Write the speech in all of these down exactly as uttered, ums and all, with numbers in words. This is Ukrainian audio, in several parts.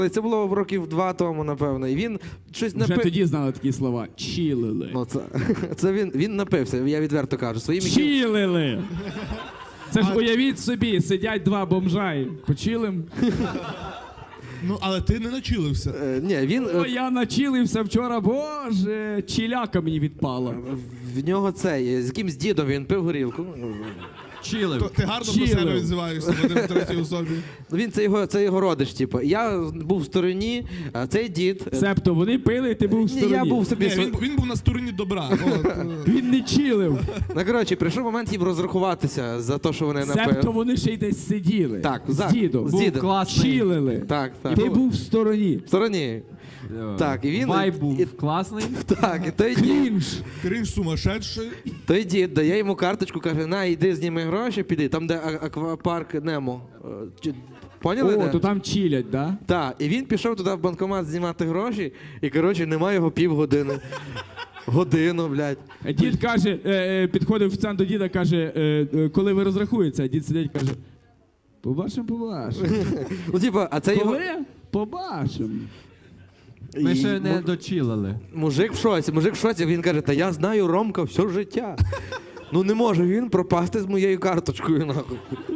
Це було років два тому, напевно. І він щось Вже напив... тоді знали такі слова. Чілили. Ну, це, це він, він напився, я відверто кажу. Своїм яким- Чілили. Це ж уявіть собі, сидять два бомжа. Почилим. Ну, але ти не начилився. Е, ні, він... О, е, я начилився вчора, боже, чіляка мені відпала. В нього цей, з якимсь дідом він пив горілку. Чилив. То ти гарно Чилив. про себе відзиваєшся в один третій особі. Ну, він це його, це його родич, типу. Я був в стороні, а цей дід... е, Себто вони пили, ти був в Ні, стороні. я був собі... Ні, св- він, він був на стороні добра. От, е. Він не чилив. Ну, коротше, прийшов момент їм розрахуватися за те, що вони Себто напили. вони ще й десь сиділи. Так, з за- дідом. з Був дідом. класний. Чилили. Так, так. Ти був в стороні. В стороні. Так, і він- Вайб був і- класний. Так, і той дід, Крінж. Крінж сумасшедший. той дід дає йому карточку, каже, на, йди зніми гроші, піди, там, де а- аквапарк Немо. Е, чи- Поняли? О, де? то там чилять, да? Так, і він пішов туди в банкомат знімати гроші, і, коротше, немає його півгодини. Годину, блядь. Дід каже, е, е, підходив офіціант до діда, каже, е, е, коли ви розрахуєтеся, дід сидить, каже, побачимо, побачимо. Ну, типа, а це його... Коли? Побачимо. Ми І ще не му- дочилили. Мужик в шоці, мужик в шоці, він каже, та я знаю Ромка все життя. Ну не може він пропасти з моєю карточкою, нахуй.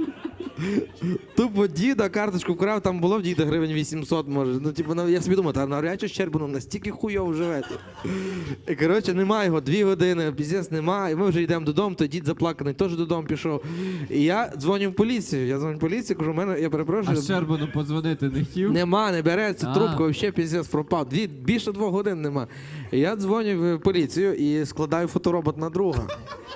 Тупо діда карточку вкрав, там було в діда гривень вісімсот, може. Ну, типу, ну, я собі думаю, та навряд чи Щербану настільки хуйово живете. І, коротше, немає його, дві години, піздець немає. І ми вже йдемо додому, то дід заплаканий теж додому пішов. І я дзвоню в поліцію, я дзвоню в поліцію, кажу, у мене, я А перепрошую. Щербану подзвонити не хотів? Нема, не береться А. трубку, взагалі піздець пропав. Дві, більше двох годин нема. І я дзвоню в поліцію і складаю фоторобот на друга.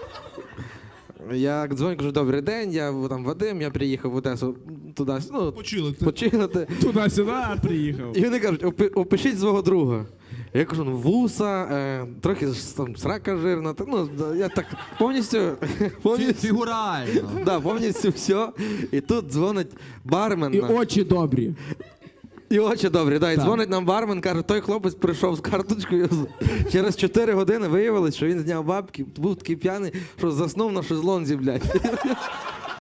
Я дзвоню, кажу, добрий день, я там Вадим, я приїхав в Одесу туди, ну, Почилити. починати. Туди-сюди приїхав. І вони кажуть, «Опи- опишіть свого друга. Я кажу, ну вуса, е, трохи ж там срака жирна, та, ну, да, я так повністю, Фі- повністю, Фігурально. да, повністю все. І тут дзвонить бармен. І наш. очі добрі. І очі добрі, да. І Так. дзвонить нам бармен, каже, той хлопець прийшов з карточкою. Через чотири години виявилось, що він зняв бабки, був такий п'яний, що заснув на шезлонзі, блядь.